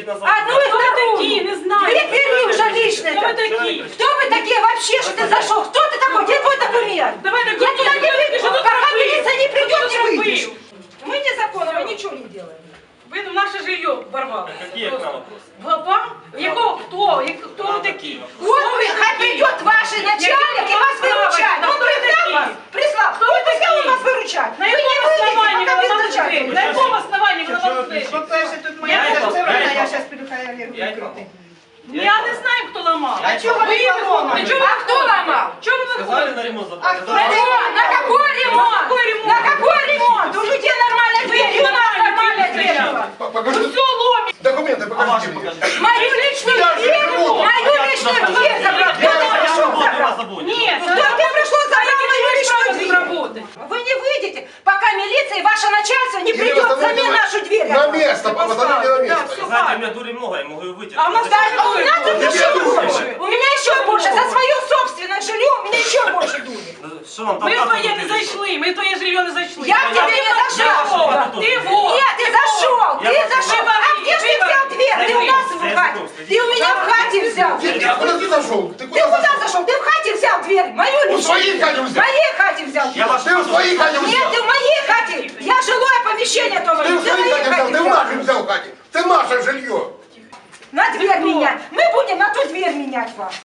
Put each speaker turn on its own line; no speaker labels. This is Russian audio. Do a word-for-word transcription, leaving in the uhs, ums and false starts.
назад.
Одну и вторую.
Такие, не знаю.
Две двери уже лишние.
Кто вы такие?
Кто вы такие вообще, что ты зашел? Кто ты такой? Где твой документ?
Давай
Я туда не приду, пока милиция не придет, не выйдешь.
вы?
Мы незаконно, мы ничего не делаем.
Ви в наше жилье ворвали.
Какие к нам вопросы?
Вам? Якого? Кто? Як- Кто вы такие?
Вот хай придет ваш начальник и вас выручает. Он прислал вас? Прислал. Кто вы такие? Он вас выручать.
На
Вы не
якому
выйдете,
основании
пока
ви
без
ламали двері?
начальника.
На якому основанні ви ламали двері?
По-перше, тут моя
Я
дочка,
не
я
знаю.
зараз піду хай Олегу викрути.
Я не знаю, хто ламав.
А чого ви
Ви
не поламали?
чого ви
А кто ломал?
Чого ви
Сказали
виходите?
на ремонт
А
заплатить.
кто?
Ремонт? На какой ремонт?
какой ремонт?
На какой ремонт? У людей нормальная дверь, и у нас нормальная дверь была.
Покажи
Все ломить.
документы,
А ваши
покажите мне.
покажите.
Мою личную
Я же
дверь,
живу.
мою личную дверь забрал. Кто ты
Я
пришел
работаю, вас
забрал?
забудете.
Нет,
Кто ты пришел забрал мою личную
право
дверь?
работать.
Вы не выйдете, пока милиция и ваше начальство не
Или
придет
восстановите
взамен нашу дверь.
На место, восстановите на место.
Знаете, у меня дури много, я могу ее выйти.
А у нас
Да, у нас тут
Тебе
еще
дури.
больше. У меня еще больше. За свое собственное жилье у меня еще больше дури.
Что вам
Ми в
толкаться
твоє
тут
не
или
зайшли, ми в твоє жилье не зайшли.
Я в тебе не зашел.
Ти вот.
Нет, ты зашел,
Я
ты
вас
зашел.
вывожу,
А где ж ты взял
вывожу.
дверь? Ты у нас в
Я
хате.
иду,
Ты у меня в хате взял.
Ты а куда ты зашел? Ты
Ты
куда
куда
зашел?
зашел? Ты в хате взял дверь. Мою
У
личную.
своей хате
В
взял.
моей хате взял.
Я ваш
Ты в своей хате
Нет,
взял.
ты в моей хате. Я жилое помещение тоже.
Ты в
Ты в
своей
моей
хате взял.
хате
Ты в
взял.
нашей взял хате. Ты наше жилье.
На дверь менять. Мы будем на ту дверь менять вас.